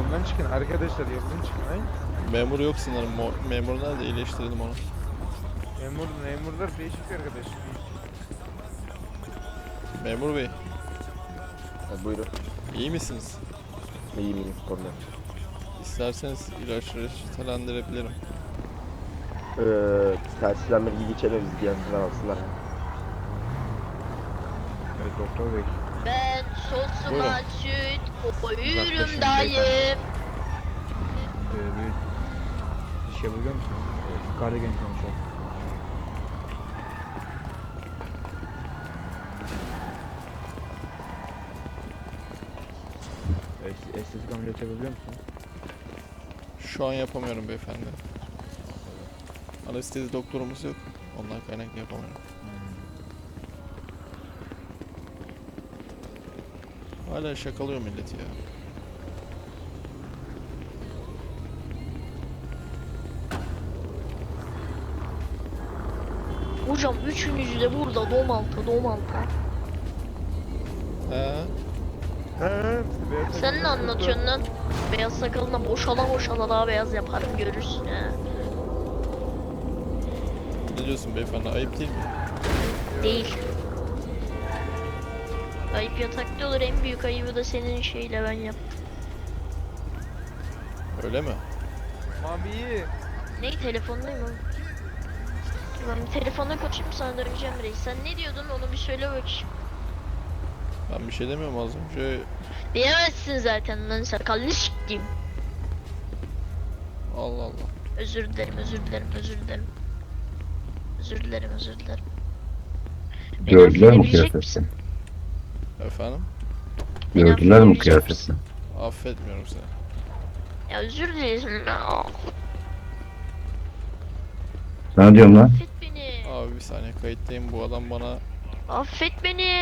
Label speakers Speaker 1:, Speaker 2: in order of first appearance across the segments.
Speaker 1: Yoldan çıkın arkadaşlar, yoldan çıkın. Hayır.
Speaker 2: Memur yok sanırım. Memur nerede? İyileştirelim onu.
Speaker 1: Memurlar değişik arkadaş.
Speaker 2: Memur bey,
Speaker 3: Buyurun.
Speaker 2: iyi misiniz?
Speaker 3: İyiyim problem.
Speaker 2: İsterseniz ilaçları reçetelendirebilirim.
Speaker 3: Telsizden bilgi geçelim, biz yanından alsınlar.
Speaker 1: Evet doktor bey.
Speaker 4: Ben
Speaker 2: Buyurun.
Speaker 4: sosuma süt koyuyorum
Speaker 1: Uzaklaşın
Speaker 4: dayım.
Speaker 1: Bir iş yapabiliyor musunuz? Yukarıda genç konuşalım. Estetik ameliyat yapabiliyor musunuz?
Speaker 2: Şu an yapamıyorum beyefendi. Anestezi doktorumuz yok. Ondan kaynaklı yapamıyorum. Hala şakalıyor milleti ya.
Speaker 4: Hocam üçünüzü de burada domalta.
Speaker 2: He?
Speaker 4: Sen ne anlatıyorsun lan? Beyaz sakalına boşala daha beyaz yaparım görürsün ha.
Speaker 2: Ne diyorsun beyefendi? Ayıp değil mi?
Speaker 4: Değil. Ayıp yatakta olur, en büyük ayıbı da senin şeyle ben yap.
Speaker 2: Öyle mi?
Speaker 1: Mabi.
Speaker 4: Ne telefondayım oğlum. Ben bir telefonda konuşayım, sana döneceğim reis. Sen ne diyordun onu bir söyle bakayım.
Speaker 2: Ben bir şey demiyorum az önce.
Speaker 4: Diyemezsin zaten lan, sakallı s**eyim.
Speaker 2: Allah Allah.
Speaker 4: Özür dilerim. Beni
Speaker 5: Gördüler mi
Speaker 4: affedebilecek
Speaker 5: kıyafetini?
Speaker 4: misin?
Speaker 2: Efendim?
Speaker 4: Beni
Speaker 5: Gördüler mi
Speaker 4: affedebilecek
Speaker 5: kıyafetini?
Speaker 2: Affetmiyorum seni.
Speaker 4: Ya özür dilerim.
Speaker 5: Sana diyorum lan.
Speaker 4: Affet beni.
Speaker 2: Abi bir saniye kayıttayım. Bu adam bana...
Speaker 4: Affet beni.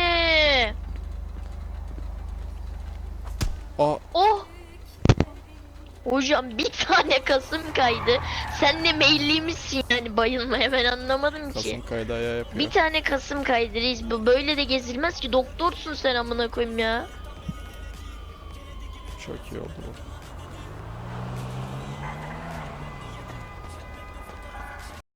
Speaker 2: Aa!
Speaker 4: Oh. Hocam bir tane kasım kaydı. Sen de meyilli misin yani bayılmaya, ben anlamadım ki.
Speaker 2: Kasım kaydı ayağı yapıyor.
Speaker 4: Bir tane kasım kaydı reis. Bu böyle de gezilmez ki, doktorsun sen amına koyayım ya.
Speaker 2: Çok iyi oldu bu.